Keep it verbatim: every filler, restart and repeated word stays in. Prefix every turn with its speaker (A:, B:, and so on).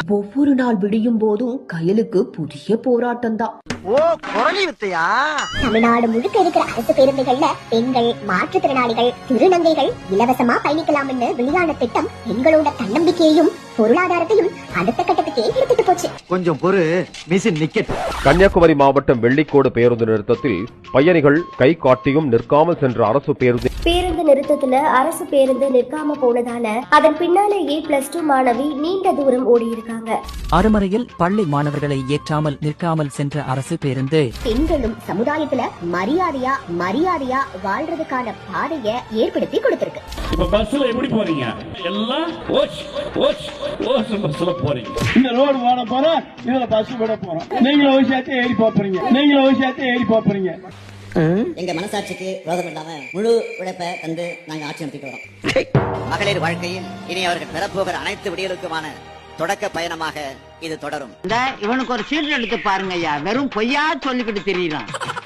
A: ஒவ்வொரு நாள் விடியும் போதும் கயலுக்கு புதிய போராட்டம் தான்.
B: ஓ குரலி வித்தையா?
C: தமிழ்நாடு முழுக்க இருக்கிற அரசு பேருந்துகள்ல பெண்கள், மாற்றுத்திறனாளிகள், திருநங்கைகள் இலவசமா பயணிக்கலாம்னு வெளியான திட்டம் பெண்களோட தன்னம்பிக்கையையும் பொருளாதாரத்தையும் அடுத்த கட்டத்துக்கே எடுத்துட்டு போச்சு.
B: கொஞ்சம் பொறு, மிஷின் நிக்கெட்.
D: கன்னியாகுமரி மாவட்டம் வெள்ளிக்கோடு பேருந்து நிறுத்தத்தில் பயணிகள் கை காட்டியும் நிற்காமல் சென்ற அரசு பேருந்து
E: பேருந்து நிறுத்தத்துல அரசு பேருந்து நிற்காம போனதால அதன் பின்னாலேயே பிளஸ் டூ மாணவி நீண்ட தூரம் ஓடி இருக்காங்க.
F: அருமறையில் பள்ளி மாணவர்களை ஏற்றாமல் நிற்காமல் சென்ற அரசு பேருந்து
C: பெண்களும் சமுதாயத்துல மரியாதையா மரியாதையா வாழ்றதுக்கான பாதையை ஏற்படுத்தி கொடுத்திருக்கு.
G: இப்ப பஸ்ல எப்படி போறீங்க? எல்லாம் ஓச் ஓச் ஓச் பஸ்ல போறீங்க.
H: இந்த ரோடு போட போறோம், இதுல பஸ் போட போறோம். நீங்களும் ஒரு சேர்த்து ஏறி போறீங்க, நீங்களும் ஒரு சேர்த்து ஏறி போறீங்க.
I: எங்க மனசாட்சிக்கு விரோதம் இல்லாம முழு உழைப்பை தந்து நாங்க ஆட்சி நடத்திட்டு வரோம். மகளிர் வாழ்க்கையில் இனி அவர்கள் பெறப்போகிற அனைத்து விடியலுக்குமான தொடக்க பயணமாக இது தொடரும்.
J: இவனுக்கு ஒரு சீட் எடுத்து பாருங்க ஐயா, வெறும் பொய்யா சொல்லிக்கிட்டு தெரியலாம்.